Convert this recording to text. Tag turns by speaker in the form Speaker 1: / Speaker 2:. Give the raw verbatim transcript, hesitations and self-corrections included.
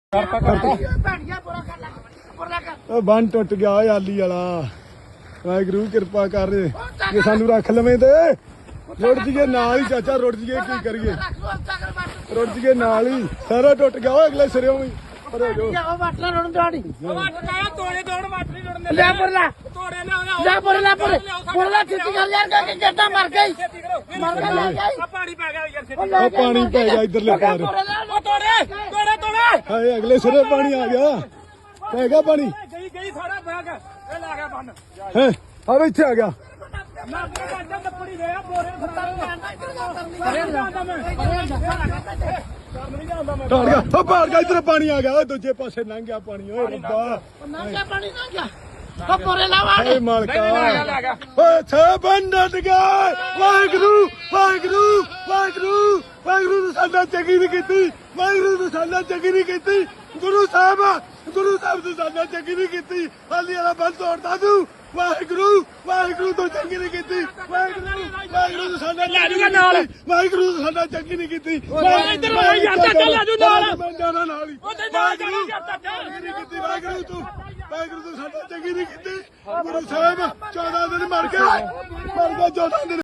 Speaker 1: ਬੰਨ ਟੁੱਟ ਗਿਆ ਓਏ ਆਲੀ ਵਾਲਾ। ਵਾਹਿਗੁਰੂ ਕਿਰਪਾ ਕਰ ਜੇ ਸਾਨੂੰ ਰੱਖ ਲਵੇਂ ਤੇ ਰੁੜ ਜੀਏ ਨਾਲ ਹੀ ਚਾਚਾ, ਰੁੜ ਜੀਏ ਕੀ ਕਰੀਏ, ਰੁੜ ਜੀਏ ਨਾਲ ਹੀ। ਸਾਰਾ ਟੁੱਟ ਗਿਆ ਓਏ ਅਗਲੇ ਸਿਰਿਓਂ ਵੀ।
Speaker 2: ਤੋੜੇ ਤੋੜ ਲੈ ਪਰ ਲੈ ਲੈ ਪਰ ਲੈ ਪਰ ਪਰ ਲੈ ਛੇਤੀ ਕਰ ਯਾਰ ਕਿ ਜੱਟਾ ਮਰ ਗਈ ਮਰ ਗਿਆ ਲੈ ਗਈ
Speaker 3: ਪਾਣੀ ਪੈ ਗਿਆ ਯਾਰ
Speaker 1: ਉਹ ਪਾਣੀ ਪੈ ਗਿਆ ਇਧਰਲੇ ਪਾਰ।
Speaker 3: ਤੋੜੇ ਤੋੜੇ ਤੋੜੇ
Speaker 1: ਹਾਏ ਅਗਲੇ ਸਿਰੇ ਪਾਣੀ ਆ ਗਿਆ, ਪੈ ਗਿਆ ਪਾਣੀ।
Speaker 3: ਗਈ ਗਈ ਸਾਰਾ ਬੈਗ ਇਹ ਲਾ ਗਿਆ ਬੰਨ
Speaker 1: ਹੈ ਆ ਇੱਥੇ ਆ ਗਿਆ।
Speaker 3: ਨਾ ਬੱਚਾ ਲੱਪੜੀ ਦੇ ਆ ਬੋਰੇ
Speaker 1: ਟਾੜ ਗਿਆ ਉਹ ਪਾੜ ਗਿਆ, ਇਧਰ ਪਾਣੀ ਆ ਗਿਆ ਓਏ, ਦੂਜੇ ਪਾਸੇ ਲੰਘ ਗਿਆ ਪਾਣੀ। ਓਏ ਰੱਬਾ
Speaker 2: ਨੰਗਾ ਪਾਣੀ ਨਾ ਗਿਆ ਉਹ ਪੋਰੇ ਲਾਵਾ
Speaker 1: ਏ ਮਾਲਕਾ ਓਏ ਛੇ ਬੰਦਟ ਗਏ। ਵਾਹਿਗੁਰੂ ਵਾਹਿਗੁਰੂ ਵਾਹਿਗੁਰੂ ਵਾਹਿਗੁਰੂ ਨੇ ਸਾਡਾ ਚੰਗੀ ਨਹੀਂ ਕੀਤੀ, ਵਾਹਿਗੁਰੂ ਨੇ ਸਾਡਾ ਚੰਗੀ ਨਹੀਂ ਕੀਤੀ। ਗੁਰੂ ਸਾਹਿਬ ਗੁਰੂ ਸਾਹਿਬ ਨੇ ਸਾਡਾ ਚੰਗੀ ਨਹੀਂ ਕੀਤੀ। ਹਾਲੀ ਵਾਲਾ ਬੰਦ ਤੋੜਦਾ ਤੂੰ। ਵਾਹਿਗੁਰੂ ਵਾਹਿਗੁਰੂ ਤੋਂ ਚੰਗੀ ਨਹੀਂ ਕੀਤੀ। ਵਾਹਿਗੁਰੂ ਵਾਹਿਗੁਰੂ ਨੇ ਸਾਡਾ ਨਾਲ ਵਾਹਿਗੁਰੂ ਨੇ ਸਾਡਾ ਚੰਗੀ ਨਹੀਂ ਕੀਤੀ।
Speaker 3: ਇੱਧਰ ਆ ਯਾਰ ਚਾਚਾ ਲੈ ਜੂ ਨਾਲ
Speaker 1: ਮੈਂ ਜਾਣਾ ਨਾਲ ਹੀ।
Speaker 3: ਉਹਦੇ ਨਾਲ ਜਾਣਾ ਯਾਰ ਚਾਚਾ
Speaker 1: ਚੰਗੀ ਨਹੀਂ ਕੀਤੀ ਵਾਹਿਗੁਰੂ ਤੂੰ, ਵਾਹਿਗੁਰੂ ਤੂੰ ਸਾਡਾ ਚੰਗੀ ਨਹੀਂ ਕੀਤੀ। ਗੁਰੂ ਸਾਹਿਬ ਚੌਦਾਂ ਦਿਨ ਮਰ ਗਏ, ਮਰ ਗਏ ਚੌਦਾਂ ਦਿਨ।